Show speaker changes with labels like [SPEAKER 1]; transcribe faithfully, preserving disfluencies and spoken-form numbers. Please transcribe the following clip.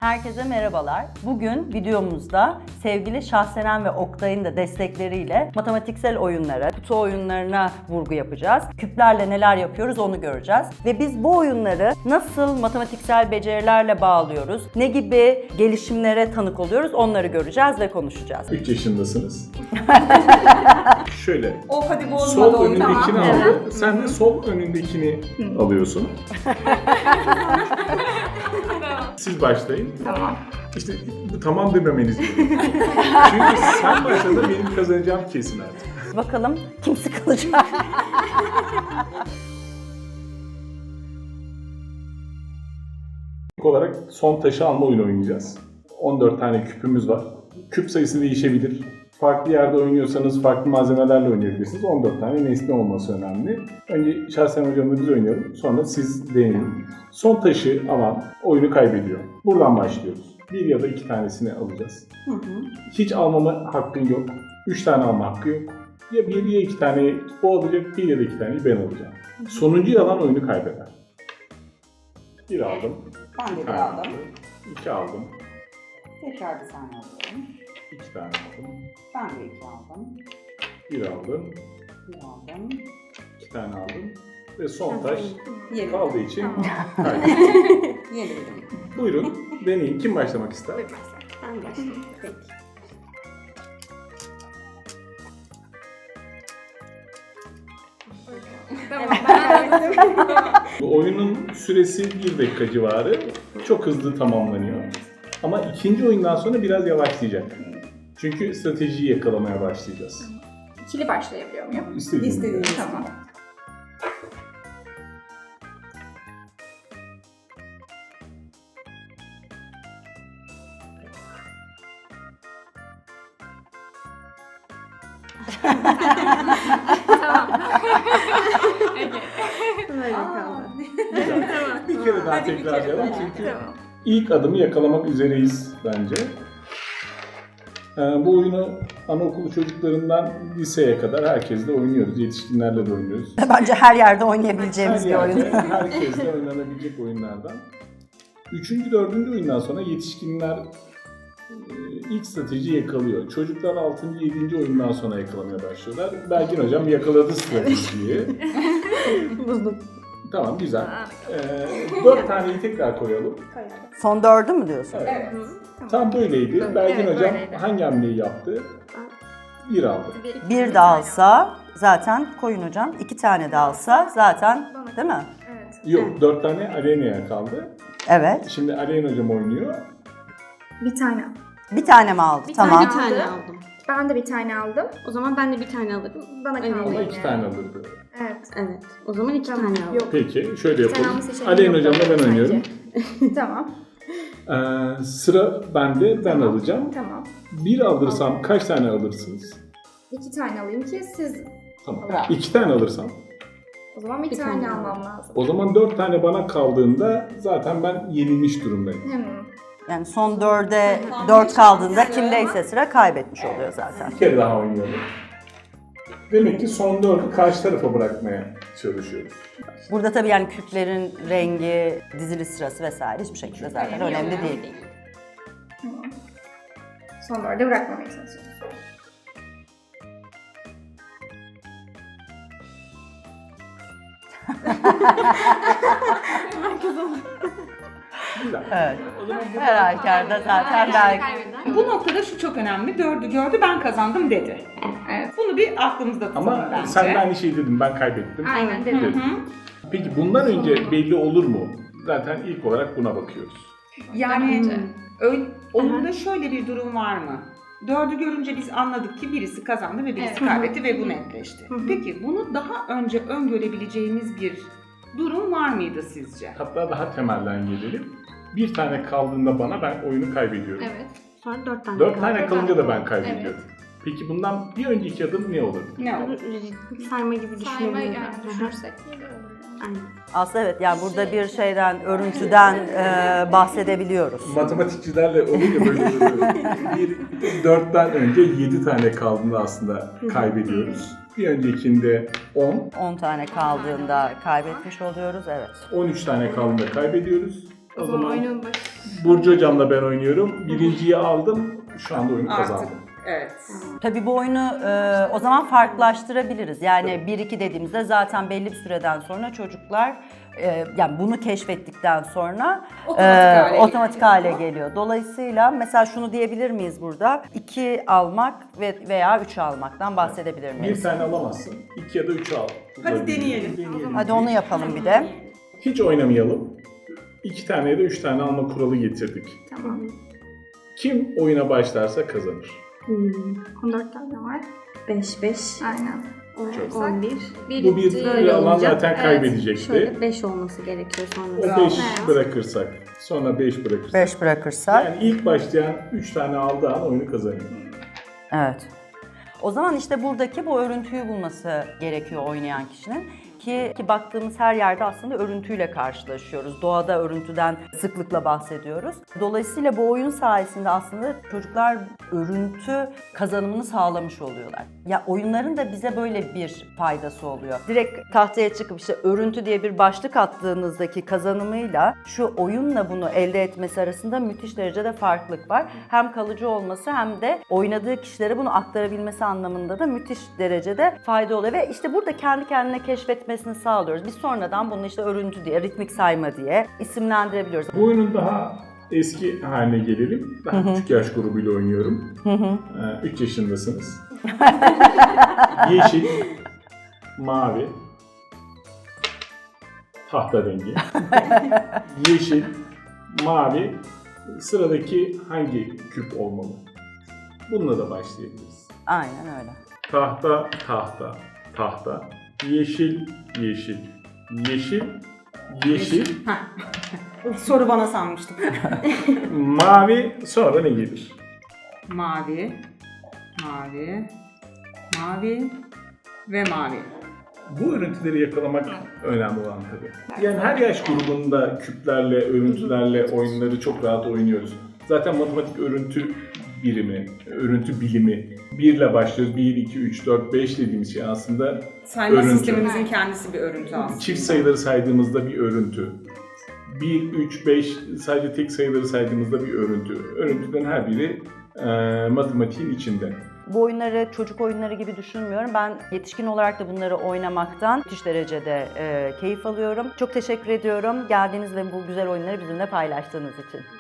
[SPEAKER 1] Herkese merhabalar. Bugün videomuzda sevgili Şahsenen ve Oktay'ın da destekleriyle matematiksel oyunlara, kutu oyunlarına vurgu yapacağız. Küplerle neler yapıyoruz onu göreceğiz. Ve biz bu oyunları nasıl matematiksel becerilerle bağlıyoruz, ne gibi gelişimlere tanık oluyoruz onları göreceğiz ve konuşacağız.
[SPEAKER 2] üç yaşındasınız. Şöyle.
[SPEAKER 3] Oh hadi bozma
[SPEAKER 2] Sol
[SPEAKER 3] da oyunu.
[SPEAKER 2] önündekini
[SPEAKER 3] Tamam.
[SPEAKER 2] aldı. Sen de sol önündekini alıyorsun. Siz başlayın.
[SPEAKER 3] Tamam.
[SPEAKER 2] İşte bu tamam dememeniz gerekiyor. Çünkü sen başladın, benim kazanacağım kesin artık.
[SPEAKER 1] Bakalım kim sıkılacak?
[SPEAKER 2] İlk olarak son taşı alma oyunu oynayacağız. on dört tane küpümüz var. Küp sayısı değişebilir. Farklı yerde oynuyorsanız farklı malzemelerle oynayabilirsiniz. on dört tane nesne olması önemli. Önce Şahsen hocamla biz oynayalım. Sonra siz deneyin. Son taşı alan oyunu kaybediyor. Buradan başlıyoruz. Bir ya da iki tanesini alacağız.
[SPEAKER 3] Hı hı.
[SPEAKER 2] Hiç almama hakkın yok. Üç tane alma hakkı yok. Ya bir ya iki tane o alacak, bir ya da iki taneyi ben alacağım. Sonuncuyu alan oyunu kaybeder. Bir aldım.
[SPEAKER 3] Ben de
[SPEAKER 2] Bir
[SPEAKER 3] bir
[SPEAKER 2] tane
[SPEAKER 3] aldım.
[SPEAKER 2] İki aldım.
[SPEAKER 3] Tekrar bir tane alıyorum.
[SPEAKER 2] İki tane aldım.
[SPEAKER 3] Ben de iki aldım.
[SPEAKER 2] Bir aldım.
[SPEAKER 3] Bir aldım.
[SPEAKER 2] İki tane aldım. Ve son taş
[SPEAKER 3] Yeni.
[SPEAKER 2] kaldığı için
[SPEAKER 3] Tamam.
[SPEAKER 2] kaybettim.
[SPEAKER 3] Yenildim.
[SPEAKER 2] Buyurun deneyin. Kim başlamak ister?
[SPEAKER 4] Ben başlayayım. Peki. Tamam, ben anladım.
[SPEAKER 2] Bu oyunun süresi bir dakika civarı. Çok hızlı tamamlanıyor. Ama ikinci oyundan sonra biraz yavaşlayacak. Çünkü stratejiyi yakalamaya başlayacağız.
[SPEAKER 4] İkili başlayabiliyor muyum?
[SPEAKER 2] İstediğiniz gibi.
[SPEAKER 3] İstediğiniz
[SPEAKER 4] Tamam.
[SPEAKER 3] gibi.
[SPEAKER 4] Tamam. Peki.
[SPEAKER 3] Böyle
[SPEAKER 4] kaldı.
[SPEAKER 2] Güzel. Bir kere daha
[SPEAKER 3] Hadi bir kere
[SPEAKER 2] tekrarlayalım
[SPEAKER 3] daha.
[SPEAKER 2] çünkü
[SPEAKER 4] Tamam.
[SPEAKER 2] ilk adımı yakalamak üzereyiz bence. Ee, bu oyunu anaokulu çocuklarından liseye kadar herkesle oynuyoruz. Yetişkinlerle de oynuyoruz.
[SPEAKER 1] Bence her yerde oynayabileceğimiz
[SPEAKER 2] Her
[SPEAKER 1] bir oyun.
[SPEAKER 2] yerde, herkesle oynanabilecek oyunlardan. Üçüncü, dördüncü oyundan sonra yetişkinler e, ilk stratejiyi yakalıyor. Çocuklar altıncı, yedinci oyundan sonra yakalamaya başlıyorlar. Belgin hocam yakaladı stratejiyi.
[SPEAKER 1] Buldum.
[SPEAKER 2] Tamam, güzel. Ee, dört taneyi tekrar koyalım.
[SPEAKER 1] Son dördü mü diyorsun?
[SPEAKER 2] Evet.
[SPEAKER 3] Evet.
[SPEAKER 2] Tam böyleydi.
[SPEAKER 4] Evet,
[SPEAKER 2] Belgin hocam
[SPEAKER 4] böyleydi.
[SPEAKER 2] hangi hamleyi yaptı? Bir aldı.
[SPEAKER 1] Bir de alsa zaten koyun hocam. İki tane de alsa zaten değil mi?
[SPEAKER 4] Evet.
[SPEAKER 2] Yok, dört tane Alena'ya kaldı.
[SPEAKER 1] Evet.
[SPEAKER 2] Şimdi Alena hocam oynuyor.
[SPEAKER 4] Bir tane.
[SPEAKER 1] Bir tane mi aldı?
[SPEAKER 4] Bir
[SPEAKER 1] Tamam.
[SPEAKER 4] tane
[SPEAKER 5] Bir tane
[SPEAKER 4] aldı.
[SPEAKER 5] aldım.
[SPEAKER 4] Ben de bir tane aldım.
[SPEAKER 5] O zaman ben de bir tane alırım.
[SPEAKER 4] Bana
[SPEAKER 5] Evet.
[SPEAKER 4] kaldı.
[SPEAKER 2] Ama
[SPEAKER 4] yine.
[SPEAKER 2] iki tane alırdı.
[SPEAKER 4] Evet.
[SPEAKER 5] Evet. O zaman iki
[SPEAKER 4] Tamam.
[SPEAKER 5] tane aldım.
[SPEAKER 4] Yok.
[SPEAKER 2] Peki, şöyle
[SPEAKER 4] Bir tane
[SPEAKER 2] yapalım.
[SPEAKER 4] alma seçeneği
[SPEAKER 2] Alena
[SPEAKER 4] yok
[SPEAKER 2] hocamla ben
[SPEAKER 4] bence.
[SPEAKER 2] oynuyorum.
[SPEAKER 4] Tamam.
[SPEAKER 2] Ee, sıra bende, ben alacağım.
[SPEAKER 4] Tamam.
[SPEAKER 2] Bir alırsam kaç tane alırsınız?
[SPEAKER 4] İki tane alayım ki siz...
[SPEAKER 2] Tamam.
[SPEAKER 3] Bravo.
[SPEAKER 2] İki tane alırsam.
[SPEAKER 4] O zaman bir,
[SPEAKER 5] Bir
[SPEAKER 4] tane,
[SPEAKER 5] tane
[SPEAKER 4] almam lazım.
[SPEAKER 2] O zaman dört tane bana kaldığında zaten ben yenilmiş durumdayım.
[SPEAKER 4] Hmm.
[SPEAKER 1] Yani son dörde dört kaldığında kimdeyse sıra kaybetmiş oluyor zaten.
[SPEAKER 2] Bir kere daha oynayalım. Demek ki son dördü karşı tarafa bırakmaya çalışıyoruz.
[SPEAKER 1] Burada tabii yani küplerin rengi, dizili sırası vesaire hiçbir şekilde zaten önemli değil.
[SPEAKER 4] Tamam. Son dörde bırakmamaya çalışıyorum.
[SPEAKER 2] Güzel.
[SPEAKER 1] Evet.
[SPEAKER 2] O zaman bu-
[SPEAKER 1] Her halükarda zaten belki.
[SPEAKER 3] Bu noktada şu çok önemli. Dördü gördü, ben kazandım dedi. Evet. Bunu bir aklımızda tutalım
[SPEAKER 2] Ama
[SPEAKER 3] bence.
[SPEAKER 2] sen de aynı şeyi dedin, ben kaybettim.
[SPEAKER 4] Aynen
[SPEAKER 3] Hı
[SPEAKER 4] dedim.
[SPEAKER 2] Dedim.
[SPEAKER 3] hı.
[SPEAKER 2] Peki bundan önce belli olur mu? Zaten ilk olarak buna bakıyoruz.
[SPEAKER 3] Yani
[SPEAKER 4] Bence.
[SPEAKER 3] öyle, oyunda şöyle bir durum var mı? Dördü görünce biz anladık ki birisi kazandı ve birisi
[SPEAKER 4] Evet.
[SPEAKER 3] kaybetti ve bu netleşti. Peki bunu daha önce öngörebileceğimiz bir durum var mıydı sizce?
[SPEAKER 2] Hatta daha temelden gelelim. Bir tane kaldığında bana ben oyunu kaybediyorum.
[SPEAKER 4] Evet.
[SPEAKER 5] Sonra dört tane
[SPEAKER 2] Dört
[SPEAKER 5] kaldı.
[SPEAKER 2] tane kalınca da ben kaybediyorum. Peki bundan bir önceki adım ne olur?
[SPEAKER 3] Ne olur?
[SPEAKER 5] Sayma gibi
[SPEAKER 4] Sayma
[SPEAKER 5] düşünebilirim.
[SPEAKER 4] yani
[SPEAKER 5] Hı hı.
[SPEAKER 4] düşünürsek.
[SPEAKER 5] Aynen.
[SPEAKER 1] Aslında evet yani burada bir şeyden, örüntüden e, bahsedebiliyoruz.
[SPEAKER 2] Matematikçilerle olunca böyle oluyor. Bir dörtten önce yedi tane kaldığında aslında kaybediyoruz. Bir öncekinde on,
[SPEAKER 1] on tane kaldığında kaybetmiş oluyoruz evet.
[SPEAKER 2] on üç tane kaldığında kaybediyoruz. O
[SPEAKER 5] O zaman
[SPEAKER 2] zaman
[SPEAKER 5] oyunun başı.
[SPEAKER 2] Burcu hocamla ben oynuyorum. Birinciyi aldım. Şu anda oyunu
[SPEAKER 3] Artık
[SPEAKER 2] kazandım.
[SPEAKER 3] evet.
[SPEAKER 1] Tabii bu oyunu e, o zaman farklılaştırabiliriz. Yani bir iki dediğimizde zaten belli bir süreden sonra çocuklar e, yani bunu keşfettikten sonra
[SPEAKER 3] Otomatik hale geliyor.
[SPEAKER 1] otomatik hale geliyor. Dolayısıyla mesela şunu diyebilir miyiz burada? iki almak ve veya üç almaktan bahsedebilir miyiz?
[SPEAKER 2] Bir tane alamazsın. iki ya da üç al.
[SPEAKER 3] Hadi deneyelim.
[SPEAKER 1] Hadi onu yapalım bir de.
[SPEAKER 2] Hiç oynamayalım. İki tane ya da üç tane alma kuralı getirdik.
[SPEAKER 4] Tamam.
[SPEAKER 2] Kim oyuna başlarsa kazanır.
[SPEAKER 5] Hmm.
[SPEAKER 4] on dört tane var.
[SPEAKER 5] beş, beş,
[SPEAKER 4] Aynen.
[SPEAKER 2] Çok.
[SPEAKER 5] on bir.
[SPEAKER 2] Bu bir
[SPEAKER 5] Böyle
[SPEAKER 2] alan
[SPEAKER 5] olacak.
[SPEAKER 2] zaten
[SPEAKER 4] Evet,
[SPEAKER 2] kaybedecekti.
[SPEAKER 5] Şöyle beş olması gerekiyor
[SPEAKER 2] O
[SPEAKER 5] sonra.
[SPEAKER 2] beş
[SPEAKER 4] Evet.
[SPEAKER 2] bırakırsak, sonra beş bırakırsak.
[SPEAKER 1] beş bırakırsak.
[SPEAKER 2] Yani ilk başlayan üç tane aldığı an oyunu kazanıyor.
[SPEAKER 1] Evet. O zaman işte buradaki bu örüntüyü bulması gerekiyor oynayan kişinin. Ki, ki baktığımız her yerde aslında örüntüyle karşılaşıyoruz. Doğada örüntüden sıklıkla bahsediyoruz. Dolayısıyla bu oyun sayesinde aslında çocuklar örüntü kazanımını sağlamış oluyorlar. Ya oyunların da bize böyle bir faydası oluyor. Direkt tahtaya çıkıp işte örüntü diye bir başlık attığınızdaki kazanımıyla şu oyunla bunu elde etmesi arasında müthiş derecede farklılık var. Hem kalıcı olması hem de oynadığı kişilere bunu aktarabilmesi anlamında da müthiş derecede fayda oluyor. Ve işte burada kendi kendine keşfetmesini sağlıyoruz. Biz sonradan bunu işte örüntü diye, ritmik sayma diye isimlendirebiliyoruz.
[SPEAKER 2] Bu oyunun daha eski haline gelelim. Daha küçük yaş grubuyla oynuyorum. üç yaşındasınız. Yeşil, mavi, tahta rengi. Yeşil, mavi, sıradaki hangi küp olmalı? Bununla da başlayabiliriz.
[SPEAKER 1] Aynen öyle.
[SPEAKER 2] Tahta, tahta, tahta. Yeşil, yeşil, yeşil, yeşil,
[SPEAKER 3] Soru bana sanmıştım.
[SPEAKER 2] mavi, sonra ne gelir?
[SPEAKER 3] Mavi, mavi, mavi ve mavi.
[SPEAKER 2] Bu örüntüleri yakalamak önemli olan tabii. Yani her yaş grubunda küplerle, örüntülerle oyunları çok rahat oynuyoruz. Zaten matematik örüntü birimi, örüntü bilimi. bir ile başlıyoruz. bir, iki, üç, dört, beş dediğimiz şey aslında
[SPEAKER 3] Sayma
[SPEAKER 2] örüntü.
[SPEAKER 3] sistemimizin kendisi bir örüntü aslında.
[SPEAKER 2] Çift sayıları saydığımızda bir örüntü. bir, üç, beş sadece tek sayıları saydığımızda bir örüntü. Örüntüden her biri e, matematiğin içinde.
[SPEAKER 1] Bu oyunları çocuk oyunları gibi düşünmüyorum. Ben yetişkin olarak da bunları oynamaktan müthiş derecede e, keyif alıyorum. Çok teşekkür ediyorum geldiğiniz ve bu güzel oyunları bizimle paylaştığınız için.